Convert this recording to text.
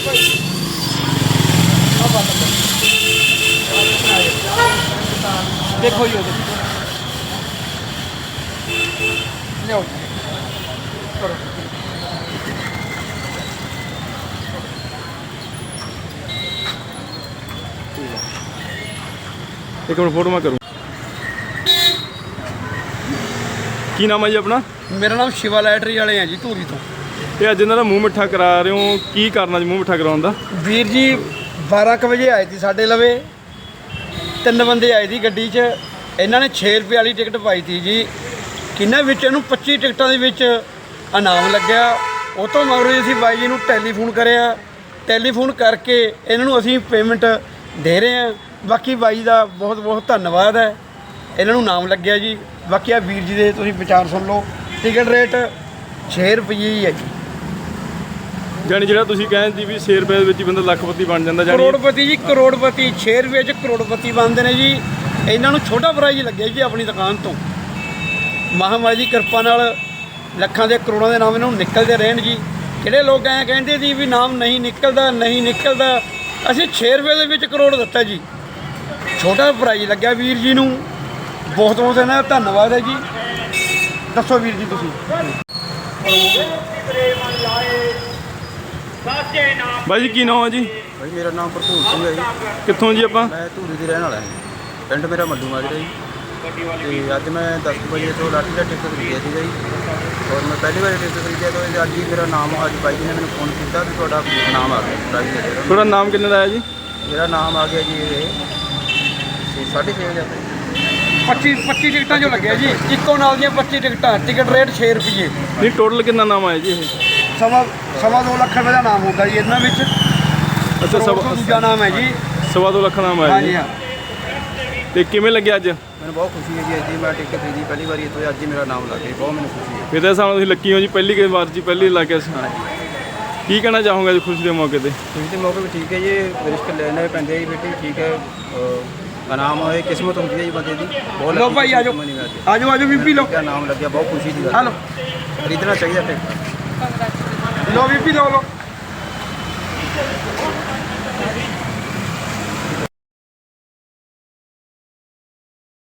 देखो जी लियाओ करो एक मिनट फोटो मैं करूँ। की नाम है जी अपना? मेरा नाम शिवा लैटरी वाले हैं जी धूरी तो। ये अज इन्हों का मूँह मिठा करा रहे हो, की करना जी मूँह मिठा कराने का? वीर जी 12 बजे आए थे साढ़े लवे, 3 बंदे आए थे गड्डी च। इन्होंने 6 रुपये वाली टिकट पाई थी जी, किन्ना विच इन्हूं 25 टिकटां दे विच इनाम लग्या। उस तो मगरों असीं बाई जी नूं टैलीफोन करिया, टैलीफोन करके इन्हों असीं पेमेंट दे रहे हैं। बाकी बाई का बहुत बहुत धन्यवाद है, इन्हों नाम लग्या जी। बाकी आ वीर जी दे तुसीं विचार सुन लो। टिकट रेट 6 रुपये ही है जी। जानी जो तुम कहते भी 6 रुपए ही बंदा लखपति बन जाता, करोड़पति जी, करोड़पति 6 रुपये च करोड़पति बनते हैं जी। इन्हों छोटा प्राइज लगे जी अपनी दुकान तो। महामारी की कृपा नाल लखां दे करोड़ों के नाम इन्हों निकलते रहन जी। किहड़े लोग ऐ कहते जी भी नाम नहीं निकलता नहीं निकलता, असीं 6 रुपये दे विच करोड़ दिता जी। छोटा प्राइज लग्या वीर जी नूं, बहुत बहुत इन्हां दा धन्नवाद है जी। दसो वीर जी तुसीं। भाई जी की नाम है जी? भाई मेरा नाम भरपूर सिंह है जी। कितों जी आप? मैं धूरी की रहने वाला है, पिंड मेरा मल्लू माजरा जी। तो अज मैं 10 बजे तो लाठी का टिकट खरीदिया था जी, और मैं पहली बार टिकट खरीदिया तो अज ही मेरा नाम अज बाई जी ने मैंने फोन किया कि थोड़ा नाम आ गया प्राइज है। थोड़ा नाम कितने का आया जी? मेरा नाम आ गया जी 6,500 जी। 25 टिकटा जो लगे जी, इको नाल दी 25 टिकटा। टिकट रेट 6 रुपये। नहीं टोटल कितना नाम आया जी? सवा 2 लाख रुपये का नाम होगा जी इन्होंने। अच्छा दूजा नाम है जी, 2.25 लाख नाम आया हाँ जी। जी हाँ। तो किमें लगे अज? मैंने बहुत खुशी है जी, अज ही मैं टिकट खरीदी पहली बार, तो अज ही मेरा नाम लग गया, बहुत मैंने खुशी है। फिर तो हिसाब नाल लकी हो जी, पहली के बार जी पहली इलाके की कहना चाहूँगा जी खुशी के मौके पर? खुशी के मौके पर ठीक है जी, रिस्क लेने पैंदे जी बेटी, ठीक है। इनाम होए किस्मत होती है जी बंदे की। बहुत लो भाई आजो आजो आजो बीपी लो। क्या नाम लग गया, बहुत खुशी की गल। हेलो खरीदना चाहिए टिकट। लो बीपी लो लो।